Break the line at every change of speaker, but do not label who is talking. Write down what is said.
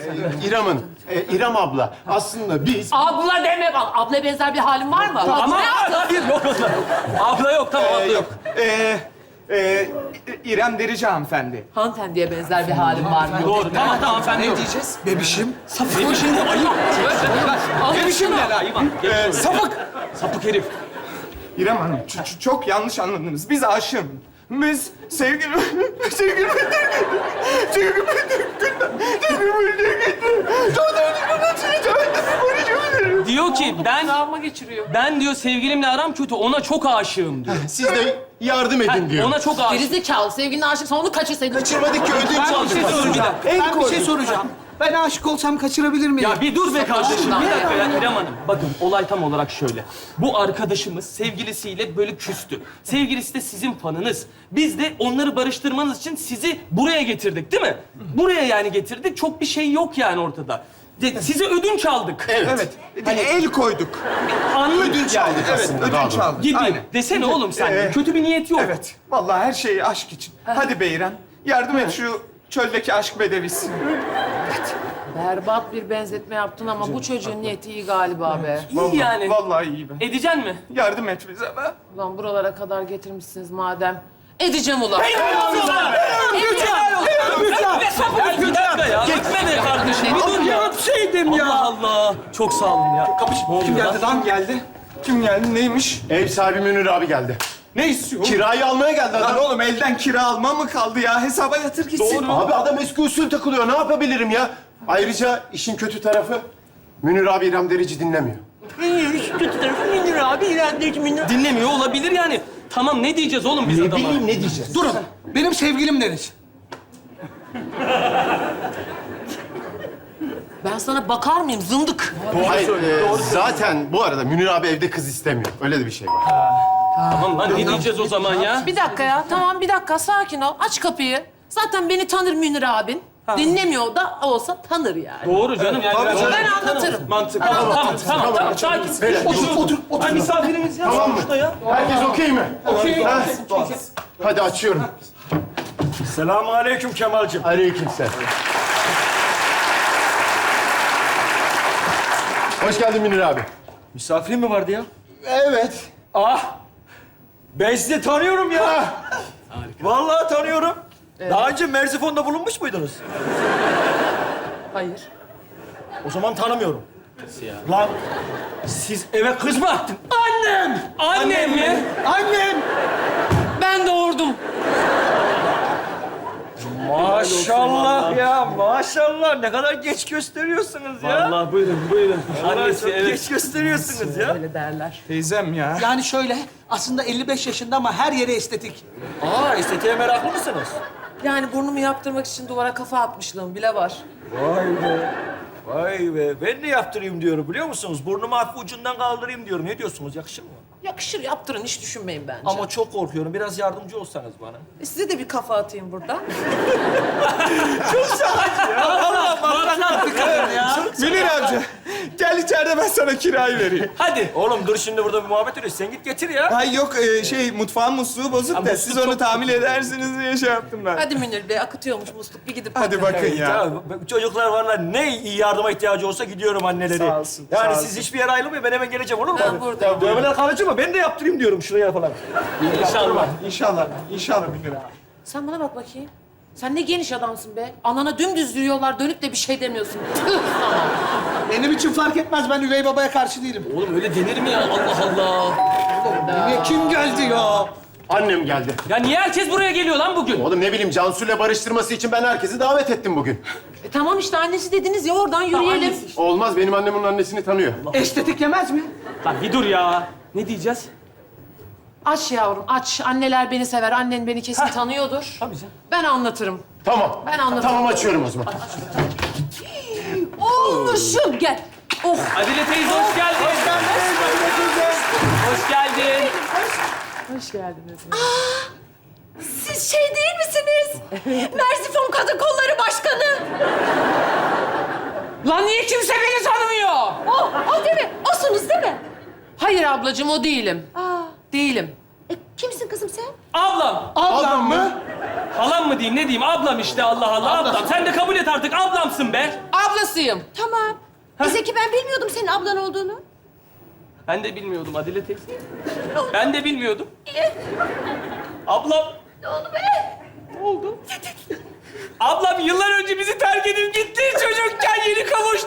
İrem abla. Aslında biz...
Abla deme bak. Ablaya benzer bir halin var mı?
Ama
Ne yaptın?
hayır, yok abla. Abla yok, tamam abla yok.
İrem Derici hanımefendi.
Hanımefendiye benzer bir halin var mı?
Doğru, tamam efendim.
Ne diyeceğiz? Bebişim.
Bebişim de ayıp.
Bebişim ne lan? Sapık.
Sapık herif.
İrem Hanım, çok yanlış anladınız. Biz aşığım. Biz sevgili...
Diyor ki
Travma geçiriyor.
ben diyor sevgilimle aram kötü, ona çok aşığım diyor.
Siz de yardım edin diyor.
Ona çok aşığım.
Gerizekalı. Sevgiline aşıksan onu kaçırsaydın.
Kaçırmadık ki ödünç
Ben bir
aldık.
şey soracağım. Ben bir şey soracağım. Ben aşık olsam kaçırabilir miyim?
Ya bir dur be kardeşim,
Allah.
bir dakika ya İrem Hanım. Bakın olay tam olarak şöyle. Bu arkadaşımız sevgilisiyle böyle küstü. Sevgilisi de sizin fanınız. Biz de onları barıştırmanız için sizi buraya getirdik değil mi? Buraya yani getirdik. Çok bir şey yok yani ortada. Size ödünç aldık.
Evet. Hani el koyduk.
Anlık
Ödünç aldık
Evet,
aslında. daha
ödünç
doğru.
aldık.
gibi.
Aynen.
Desene oğlum sen. Kötü bir niyet yok.
Evet. Vallahi her şey aşk için. Hadi be İrem. Yardım et şu çöldeki aşk bedevisi.
Berbat bir benzetme yaptın ama bu çocuğun niyeti iyi galiba be.
İyi yani.
Vallahi iyi be.
Edeceksin mi?
Yardım et bize be.
Ulan buralara kadar getirmişsiniz madem. Edeceğim ulan.
Ya bir dakika ya. Gitme be kardeşim. Bir dur ya.
Yapsaydım ya.
Allah Allah. Çok sağ olun ya.
Kim geldi lan? Geldi. Kim geldi? Neymiş?
Ev sahibi Münir abi geldi.
Ne istiyor?
Kirayı almaya geldi
Lan
adam.
oğlum elden kira alma mı kaldı ya? Hesaba yatır gitsin.
Abi adam eski usul takılıyor. Ne yapabilirim ya? Ayrıca işin kötü tarafı Münir abi İrem Derici dinlemiyor.
Kötü tarafı Münir abi. Dinlemiyor olabilir yani. Tamam ne diyeceğiz oğlum biz
Ne
adama?
bileyim ne diyeceğiz?
Durun. Benim sevgilim deriz.
Ben sana bakar mıyım zındık?
Hayır, zaten bu arada Münir abi evde kız istemiyor. Öyle de bir şey var.
Tamam lan ne diyeceğiz o zaman ya?
Bir dakika ya. Tamam bir dakika sakin ol. Aç kapıyı. Zaten beni tanır Münir abin. Dinlemiyor da olsa tanır yani.
Doğru canım yani.
Ben anlatırım.
Mantıklı. Tamam. Sakin.
Beyler,
Otur. Ay misafirimiz ya.
Tamam mı?
Sonuçta ya.
Herkes okey mi? Okey. Hadi açıyorum.
Selamünaleyküm Kemal'cim.
Aleykümselam. Hoş geldin Münir abi.
Misafirin mi vardı ya?
Evet.
Ah! Ben sizi tanıyorum ya. Vallahi tanıyorum. Daha önce Merzifon'da bulunmuş muydunuz?
Hayır.
O zaman tanımıyorum. Nasıl ya? Lan siz eve kız mı attın?
Annem mi?
Annem.
Ben doğurdum.
Maşallah ya, maşallah. Ne kadar geç gösteriyorsunuz ya.
Allah buyurun.
Vallahi
Annesi
çok
evet.
geç gösteriyorsunuz ya.
Öyle derler.
Teyzem ya.
Yani şöyle, aslında 55 yaşında ama her yere estetik.
Aa, estetiğe meraklı mısınız?
Yani burnumu yaptırmak için duvara kafa atmışlığım bile var.
Vay be. Vay be. Ben de yaptırayım diyorum biliyor musunuz? Burnumu hafif ucundan kaldırayım diyorum. Ne diyorsunuz? Yakışır mı?
Yakışır yaptırın hiç düşünmeyin bence.
Ama çok korkuyorum. Biraz yardımcı olsanız bana.
Size de bir kafa atayım burada.
Münir amca. Gel içeride ben sana kirayı vereyim.
Hadi.
Oğlum dur şimdi burada bir muhabbet ediyoruz. Sen git getir ya.
Ay yok mutfağın musluğu bozuk da
musluk
siz onu
çok-
tamir edersiniz diye şey yaptım ben.
Hadi Münir Bey akıtıyormuş musluk bir gidip
Hadi bakın ya.
Ya çocuklar varlar ne iyi yardıma ihtiyacı olsa gidiyorum anneleri.
Sağ olsun,
Yani
sağ
siz
olsun.
hiçbir yere ayrılmayın ben hemen geleceğim olur mu?
Ben buradayım.
Dövmeler kalıcı mı? Ben de yaptırayım diyorum şuraya falan.
İnşallah.
İnşallah. İnşallah Münir abi.
Sen bana bak bakayım. Sen ne geniş adamsın be. Anana dümdüz yürüyorlar dönüp de bir şey demiyorsun. Tüh sana.
Benim için fark etmez. Ben üvey babaya karşı değilim.
Oğlum öyle denir mi ya? Allah Allah.
Niye kim geldi ya?
Annem geldi.
Ya niye herkes buraya geliyor lan bugün?
Oğlum ne bileyim Cansu'yla barıştırması için ben herkesi davet ettim bugün.
Tamam işte annesi dediniz ya oradan yürüyelim.
Olmaz benim annem onun annesini tanıyor.
Estetik yemez mi?
Lan bir dur ya. Ne diyeceğiz?
Aç yavrum aç. Anneler beni sever. Annen beni kesin tanıyordur.
Tabii canım.
Ben anlatırım.
Tamam.
Ben anlatırım.
Tamam açıyorum o zaman.
Olmuşum gel. Oh.
Adile teyze hoş geldin. Hoş geldin.
Hoş geldiniz.
Siz şey değil misiniz? Merzifon Kadın Kolları Başkanı.
Lan niye kimse beni tanımıyor?
O değil mi? Osunuz değil mi?
Hayır ablacığım o değilim. Değilim.
Kimsin kızım sen?
Ablam.
Ablam mı?
Halam mı diyeyim ne diyeyim? Ablam işte Allah Allah ablam. Sen de kabul et artık ablamsın be.
Ablam ablasıyım.
Tamam. Zeki ben bilmiyordum senin ablan olduğunu.
Ben de bilmiyordum Adile teyze. Ben de bilmiyordum. Ablam.
Ne oldu be?
Ne oldu? Ablam yıllar önce bizi terk edip gitti. Çocukken yeni kavuştu.